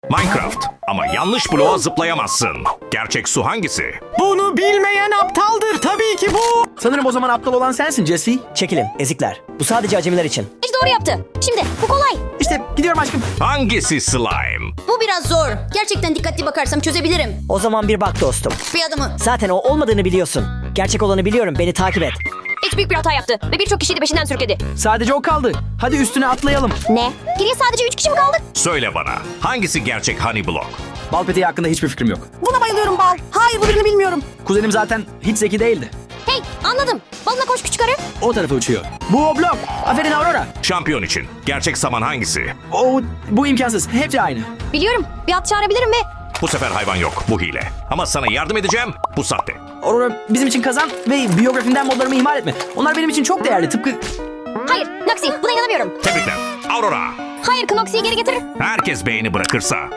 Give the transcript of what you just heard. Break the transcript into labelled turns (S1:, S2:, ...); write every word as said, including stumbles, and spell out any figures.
S1: Minecraft. Ama yanlış bloğa zıplayamazsın. Gerçek su hangisi?
S2: Bunu bilmeyen aptaldır tabii ki bu.
S3: Sanırım o zaman aptal olan sensin Jesse.
S4: Çekilin ezikler. Bu sadece acemiler için.
S5: İşte doğru yaptı. Şimdi bu kolay.
S3: İşte gidiyorum aşkım.
S1: Hangisi slime?
S5: Bu biraz zor. Gerçekten dikkatli bakarsam çözebilirim.
S4: O zaman bir bak dostum.
S5: Bir adımı.
S4: Zaten o olmadığını biliyorsun. Gerçek olanı biliyorum. Beni takip et.
S5: Hiç büyük bir hata yaptı ve birçok kişiyi de peşinden sürükledi.
S3: Sadece o kaldı. Hadi üstüne atlayalım.
S5: Ne? Geriye sadece üç kişi mi kaldık?
S1: Söyle bana. Hangisi gerçek honey block?
S3: Bal peteği hakkında hiçbir fikrim yok.
S2: Buna bayılıyorum Bal. Hayır bu birini bilmiyorum.
S3: Kuzenim zaten hiç zeki değildi.
S5: Hey, anladım. Balına koş küçük arı.
S3: O tarafa uçuyor. Bu o blok. Aferin Aurora.
S1: Şampiyon için. Gerçek saman hangisi?
S3: O bu imkansız. Hepsi aynı.
S5: Biliyorum. Bir at çağırabilirim ve...
S1: Bu sefer hayvan yok. Bu hile. Ama sana yardım edeceğim. Bu sahte.
S3: Aurora bizim için kazan ve biyografinden modlarımı ihmal etme. Onlar benim için çok değerli. Tıpkı...
S5: Hayır, Noxy, buna inanamıyorum.
S1: Tebrikler. Aurora.
S5: Hayır, Knoxy'yi geri getir.
S1: Herkes beğeni bırakırsa